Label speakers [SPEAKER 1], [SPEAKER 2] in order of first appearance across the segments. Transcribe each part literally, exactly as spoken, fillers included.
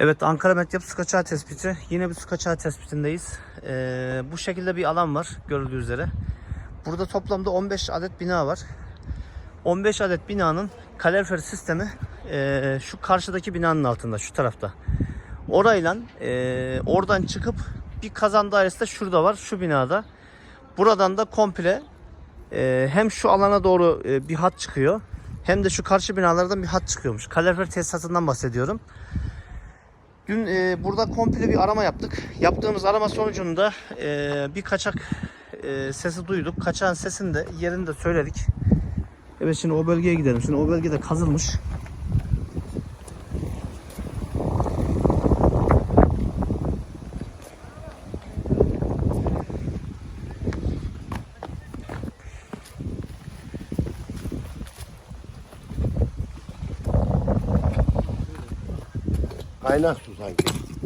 [SPEAKER 1] Evet, Ankara Medyap su kaçağı tespiti. Yine bir su kaçağı tespitindeyiz. Ee, bu şekilde bir alan var görüldüğü üzere. Burada toplamda on beş adet bina var. on beş adet binanın kalorifer sistemi e, şu karşıdaki binanın altında, şu tarafta. Orayla e, oradan çıkıp bir kazan dairesi de şurada var, şu binada. Buradan da komple e, hem şu alana doğru e, bir hat çıkıyor, hem de şu karşı binalardan bir hat çıkıyormuş. Kalorifer tesisatından bahsediyorum. Dün e, burada komple bir arama yaptık. Yaptığımız arama sonucunda e, bir kaçak e, sesi duyduk. Kaçağın sesini de, yerini de söyledik. Evet, şimdi o bölgeye gidelim. Şimdi o bölgede kazılmış.
[SPEAKER 2] Kaynak su sanki.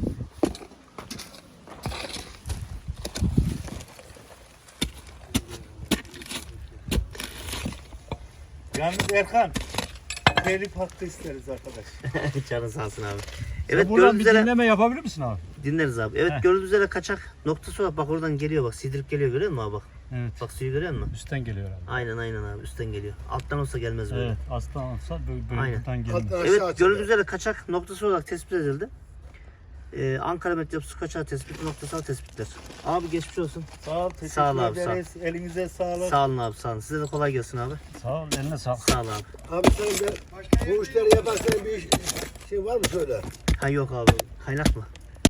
[SPEAKER 3] Yalnız Erkan, telif hakkı isteriz arkadaş.
[SPEAKER 1] Canın sağ olsun abi.
[SPEAKER 3] Evet,
[SPEAKER 1] Evet,
[SPEAKER 3] buradan
[SPEAKER 1] gördüğünüz
[SPEAKER 3] bir
[SPEAKER 1] üzere
[SPEAKER 3] dinleme yapabilir misin abi?
[SPEAKER 1] dinleriz abi. Evet,
[SPEAKER 3] Heh.
[SPEAKER 1] gördüğünüz üzere kaçak noktası var. Bak oradan geliyor, bak sidirip geliyor, görüyor musun abi bak.
[SPEAKER 3] Evet.
[SPEAKER 1] Bak suyu görüyor musun?
[SPEAKER 3] Üstten geliyor abi.
[SPEAKER 1] Aynen aynen abi, üstten geliyor. Alttan olsa gelmez böyle.
[SPEAKER 3] Evet, aslan olsa böyle, böyle
[SPEAKER 1] Aynen.
[SPEAKER 3] buradan gelmez.
[SPEAKER 2] Alttan aşağı
[SPEAKER 1] Evet,
[SPEAKER 2] açılıyor.
[SPEAKER 1] gördüğünüz üzere kaçak noktası olarak tespit edildi. Ee, Ankara Medyap su kaçağı tespiti, noktasal tespitler. Abi geçmiş olsun.
[SPEAKER 3] Sağ ol, teşekkür
[SPEAKER 1] Sağ ol abi,
[SPEAKER 3] ederiz. Elinize sağlık.
[SPEAKER 1] Sağ olun abi, sağ olun. Size de kolay gelsin abi.
[SPEAKER 3] Sağ ol, eline sağlık.
[SPEAKER 1] Sağ ol abi.
[SPEAKER 2] Abi sen de bu işleri yaparsan bir iş, şey var mı söyle?
[SPEAKER 1] Ha yok abi, kaynak mı?